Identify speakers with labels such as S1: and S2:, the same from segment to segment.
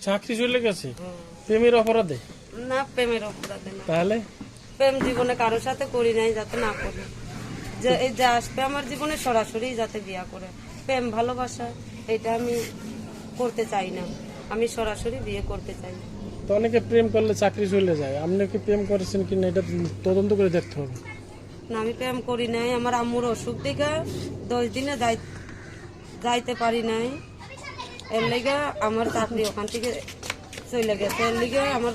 S1: চাকরি চলে গেছে প্রেমের অপরাধে?
S2: না, প্রেমের অপরাধে না।
S1: তাহলে
S2: প্রেম জীবনে কারোর সাথে করি নাই, যাতে না করি। যে এই যে আসবে আমার জীবনে সরাসরি যাতে বিয়া করে, প্রেম ভালোবাসা এটা আমি করতে চাই না। আমি সরাসরি বিয়ে করতে চাই।
S1: তো অনেকে প্রেম করলে চাকরি চলে যায়, আপনি কি প্রেম করেছেন কিনা এটা তদন্ত করে দেখতে হবে।
S2: না, আমি প্রেম করি নাই। আমার আম্মুর অসুখ দেখে 10 দিনে যাইতে পারি নাই। এর লেগে আমার চাকরি ওখান থেকে চলে গেছে। এর লেগে আমার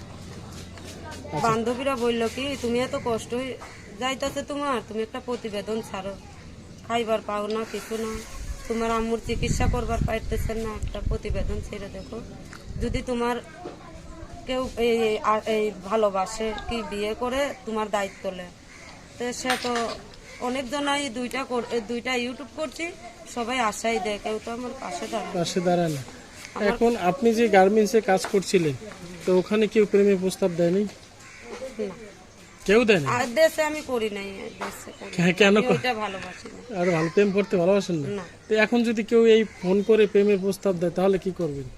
S2: বান্ধবীরা বলল কি, তুমি এত কষ্ট যাইতেছে তোমার, তুমি একটা প্রতিবেদন ছাড়ো, খাইবার পাও না, কিছু না, তোমার আম্মুর চিকিৎসা করবার পাইতেছেন না, একটা প্রতিবেদন ছেড়ে দেখো। যদি তোমার কেউ এই ভালোবাসে কি বিয়ে করে তোমার দায়িত্ব নেয়, তো সে তো অনেকজনাই দুইটা ইউটিউব করছি, সবাই আশাই দেয়, কেউ তো আমার পাশে
S1: দাঁড়ায় না। এখন আপনি যে গার্মেন্টসে কাজ করছিলেন, তো ওখানে কেউ প্রেমের প্রস্তাব দেয়নি?
S2: না,
S1: কেউ দেয়নি?
S2: আর দেশে আমি করি নাই। দেশে করি নাই।
S1: কেন?
S2: আমি ওইটা ভালোবাসি না।
S1: আর ভালো প্রেম করতে ভালোবাসেন না?
S2: না।
S1: তো এখন যদি কেউ এই ফোন করে প্রেমের প্রস্তাব দেয় তাহলে কি করবেন?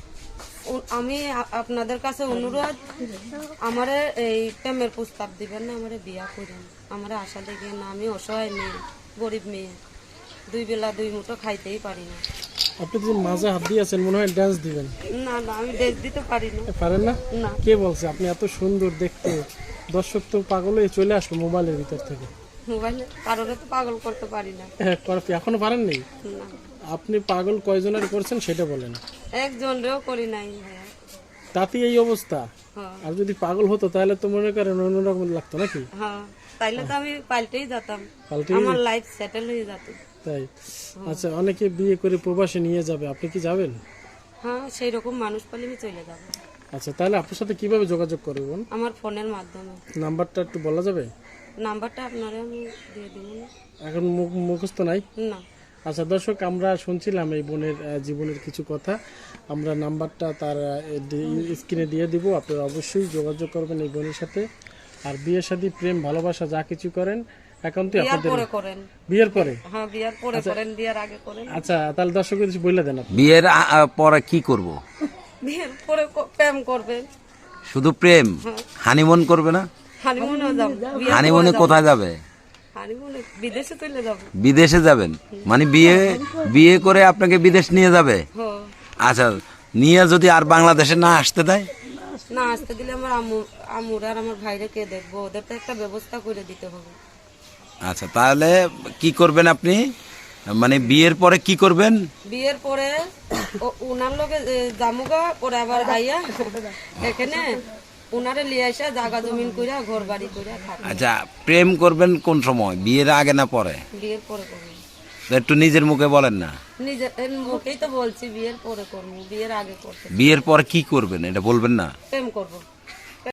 S2: আমি আপনাদের কাছে অনুরোধ, আমারে এই প্রেমের প্রস্তাব দিবেন না, আমারে বিয়া করেন, আমারে আশা দেখেন না। আমি অসহায় মেয়ে, গরিব মেয়ে, 2 বেলা 2 মুঠো খাইতেই পারি না।
S1: আপনি যে মাঝে হাত দিয়েছেন মনে হয় ডান্স দিবেন।
S2: না না, আমি ড্রেস দিতে পারি না।
S1: পারেন না?
S2: না।
S1: কে বলছে? আপনি এত সুন্দর দেখতে, দর্শক তো পাগল হয়ে চলে আসবে মোবাইলের ভিতর থেকে।
S2: মোবাইলে কারোরে তো পাগল করতে পারি না।
S1: এখনো পারেন নি?
S2: না,
S1: আপনি পাগল কয়জনের করছেন সেটা বলেন।
S2: একজনেরও করি নাই।
S1: তাতে এই অবস্থা।
S2: হ্যাঁ
S1: আর যদি পাগল হতো তাহলে তো মনে করেন অন্যরকম লাগতো নাকি?
S2: হ্যাঁ, তাইলে তো আমি পাল্টেই যেতাম,
S1: পাল্টেই?
S2: আমার লাইফ সেটেল হয়ে যেত।
S1: তাই? আচ্ছা, অনেকে বিয়ে করে প্রবাসে নিয়ে যাবে, আপনি কি যাবেন?
S2: হ্যাঁ, সেই রকম মানুষ পেলে আমি চলে যাব।
S1: আচ্ছা, তাহলে আপনার সাথে কিভাবে যোগাযোগ করবেন?
S2: আমার ফোনের মাধ্যমে।
S1: নাম্বারটা একটু বলা যাবে?
S2: নাম্বারটা আপনারে আমি দিয়ে দিব।
S1: এখন মুখস্থ নাই?
S2: না।
S1: আচ্ছা দর্শক, আমরা শুনছিলাম এই বোনের জীবনের কিছু কথা। আমরা নাম্বারটা তার স্ক্রিনে দিয়ে দিব, আপনারা অবশ্যই যোগাযোগ করবেন এই বোনের সাথে। আর বিয়ে শাদী প্রেম ভালোবাসা যা কিছু করেন একান্তই আপনাদের। বিয়ের পরে?
S2: হ্যাঁ, বিয়ের পরে করেন, বিয়ের আগে করেন।
S1: আচ্ছা, তাহলে দর্শকদের কিছু বলে দেন।
S3: বিয়ের পরে কি করব?
S2: বিয়ের পরে প্রেম করবেন।
S3: শুধু প্রেম? হানিমুন করবে না?
S2: হানিমুনও যাব।
S3: হানিমুনে কোথায় যাবে?
S2: হানিমুনে বিদেশে চলে যাব।
S3: বিদেশে যাবেন মানে বিয়ে করে আপনাকে বিদেশ নিয়ে যাবে?
S2: হ্যাঁ।
S3: আচ্ছা, নিয়ে যদি আর বাংলাদেশে না আসতে দেয়?
S2: না আসতে দিলে আমার আম্মুর আর আমার ভাইরে কে দেখবো, ওদের তো একটা ব্যবস্থা করে দিতে হবে।
S3: আচ্ছা, তাহলে কি করবেন আপনি? মানে বিয়ের পরে কি করবেন?
S2: বিয়ের পরে উনার লোকে জামুগা পরে আবার আইয়া এখানে উনারে লিয়ে আসা জায়গা জমিন কইরা ঘর বাড়ি কইরা থাকবে।
S3: আচ্ছা, প্রেম করবেন কোন সময়? বিয়ের আগে না পরে?
S2: বিয়ের পরে করবো।
S3: একটু নিজের মুখে বলেন না।
S2: নিজের মুখেই তো বলছি বিয়ের পরে করবো, বিয়ের আগে করতে।
S3: বিয়ের পরে কি করবেন এটা বলবেন না?
S2: প্রেম করবো।